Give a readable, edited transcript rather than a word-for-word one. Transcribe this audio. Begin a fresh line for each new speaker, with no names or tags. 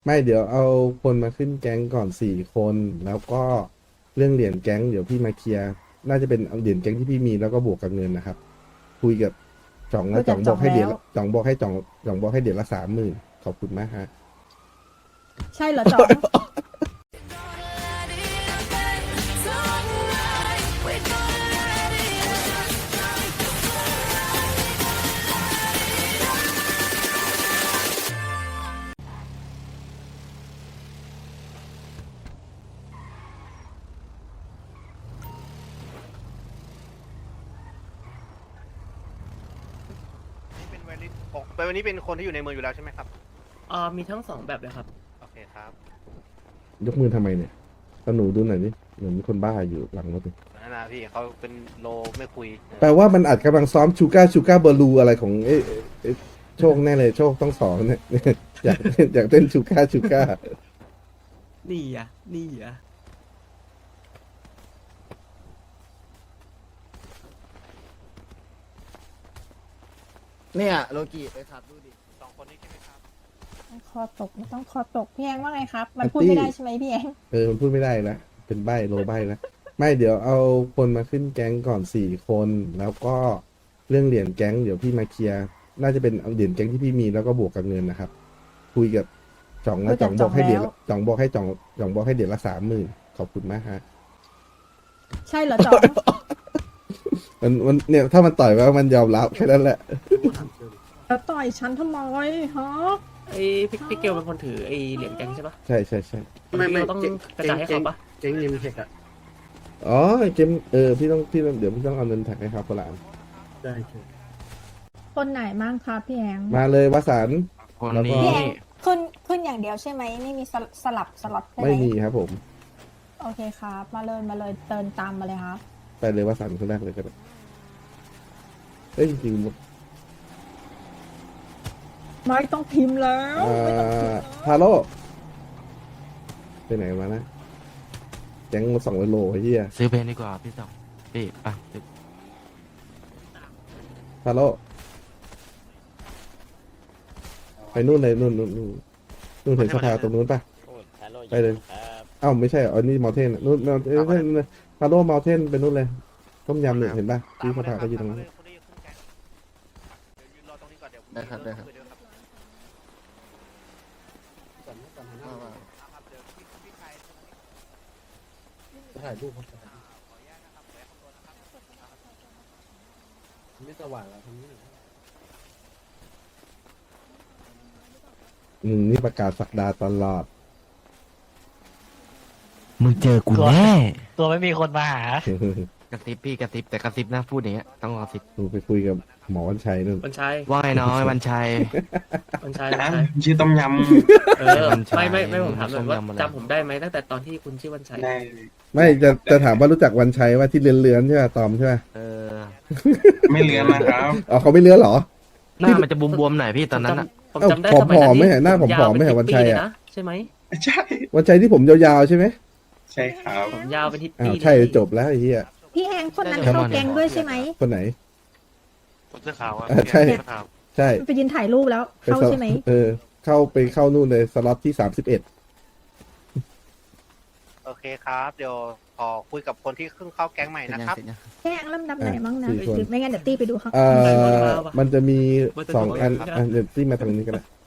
ไม่เดี๋ยวเอาคนมาขึ้นแก๊งก่อน4 คนแล้วก็เรื่องเหรียญแก๊งเดี๋ยวพี่มาเคลียร์น่าจะเป็นเอาเหรียญแก๊งที่พี่มีแล้วก็บวกกับเงินนะครับคุยกับจ่อง
คุยกับ
แล้วจ่องบ
จ่องแล้ว
อกให้เดี๋ยวจ่องบอกให้จ่องบอกให้เดี๋ยวละ30,000ขอบคุณมากฮะ
ใช่เหรอจ่อง
นี่เป็นไวริสปกไปวันนี้เป็นคนที่อยู่ในเมืองอยู่แล้วใช่ไหมครับ
มีทั้งสองแบบเลยครับ
โอเคครับ
ยกมือทำไมเนี่ยตาหนูดูหน่อยนี่เหมือนมีคนบ้าอยู่หลังรถนี่
นั่นนะพี่เขาเป็นโลไม่คุย
แปลว่ามันอาจกำลังซ้อมชูก้าบอลูอะไรของโชคแน่เลยโชคต้องสอนเนี่ย อยากเต้นชูก้า
นี่อ่ะ นี่อ่ะ
เนี่ยโลกิไปขับดูดิ
สองคนนี้ใช่ไหมครับ
คอตกไม่ต้องคอตกพี่แองว่าไงครับ มันพูดไม่ได้ใช่ไหมพี่แอง
มันพูดไม่ได้แล้วเป็นใบ้โลใบ้แล้วไม่เดี๋ยวเอาคนมาขึ้นแก๊งก่อน4 คนแล้วก็เรื่องเหรียญแก๊งเดี๋ยวพี่มาเคลียร์น่าจะเป็นเอาเหรียญแก๊งที่พี่มีแล้วก็บวกกับเงินนะครับคุยกับจ่องแล้วจ่องบอกให้เดี๋ยวจ่องบอกให้จ่องบอกให้เดี๋ยวละ30,000ขอบคุณมากฮะ
ใช่เหรอจ่อง
มันเนี่ยถ้ามันต่อยว่ามันยอมรับแค่นั้นแหละ
แล้วต่อยฉันทำไมฮะ
ไอ้พี่เกลเป็นคนถือไอ้เหรียญแกงใช่ปะ
ใช่
ไม่เราต้องกระจายให้เขาปะ
เจ๊งนิมเทคอะ
อ๋อเกมพี่ต้องเดี๋ยวพี่ต้องเอาเงินแท็กให้ครับคนละอัน
ได้เจ๊
คนไหนมั่งครับพี่แอง
มาเลยวสันต์
คน
แล้วก็
นี้
พี่แองขึ้นอย่างเดียวใช่ไหมไม่มีสลับสล็อตใช่ไหม
ไม่มีครับผม
โอเคครับ มาเลยเตินตามมาเลยครับ
ไปเลยวสันต์คนแรกเลยก็ได้เอ้ยจริงๆ
ไม่ต้องพิมพ์แล้ว
ทาโร่ไปไหนมานะแก๊งมา200 โลไอ้เหี้ย
ซื้อเพลงดีกว่าพี่สองพี่ไปซื้อ
ทาโร่ไปนู่นเลยนู่นเห็นสภาตรงนู้นปะไปเลยเอ้าไม่ใช่อ๋อนี่มอเทนนู่นทาโร่มอเทนไปนู่นเลยต้มยำเนี่ยเห็นปะ
ตา
ที่
ม
ส
มาเล
ภาย
ค
ก็
รับ
อยู่ตรงนั้น
คนนี้ขึ้นแก๊งเดี๋ยวยืนรอตรงนี้ก่อนเดี๋ยวผม
ได้ครับได้ครับ
เยวครับ ครับเดี๋ยวพี่ชาย
ถ่ายรูปครับ
ขออนุญาตนะครับขออนุญาตขอตัวนะครับ
ไม่สว่างแล้วทำนี้
นี่ประกาศสักดาตลอด
มึงเจอกูแน่
ตัวไม่มีคนมาหา
กระซิบพี่กระซิบแต่กระซิบนะพูดอย่างเงี้ยต้องกระซิบ
ดูไปคุยกับหมอวันชัยนู่น
วันชัย
ว่าไงน้อยวันชัย
วันชัยวันชัย
ชื่อต้มย
เออ
วันชัย
ไม่ผมถามหน่อยว่า
ส้มยำอะไร
จำผมได้ไหมตั้งแต่ตอนที่คุณชื่อวันชัย
ำได้
ไม่จะถามว่ารู้จักวันชัยว่าที่เลือนๆใช่ไหมตอมใช่ไหม
เออ
ไม่เลือนนะครับ
อ๋อเขาไม่เลือนเหรอ
หน้ามันจะบวมๆหน่อยพี่ตอนนั้นอะ
ผมจำได้
เอ้า
สมัย
ผอมๆ
นั้น
ไม่เห็นหน้าผอมๆ
ยาว
ไม่เห็น
ป็
วันชัย
10
อะ
ปีเลนะใช่ไหม
ใช่
วันชัยที่ผมยาวๆใช่ไหม
ใช่ครับ
ผมยาวเป็นทิศ
อ้า
ปี
ว
เลย
ใช่จบแล้วไอ้เหี้ย
พี่แองคนนั้นเข้าแก๊งด้วยใช่ไหม
คนไหน
เสื้อขาวอ่ะ
ใช่ ใช่
ไปยืนถ่ายรูปแล้วเข้าใช่ไหม
เข้านู่นเลยสล็อตที่31
โอเคครับ เดี๋ยวขอคุยกับคนที่เพิ่งเข้าแก๊งใหม่นะครับ
พี่แองลำดับไหนมั่งนะ
4 คน
ไม่งั้นเดี๋ยวตี้ไปดูครับ
มันจะมี2 อันเดี๋ยวที่มาทางนี้ก็ได้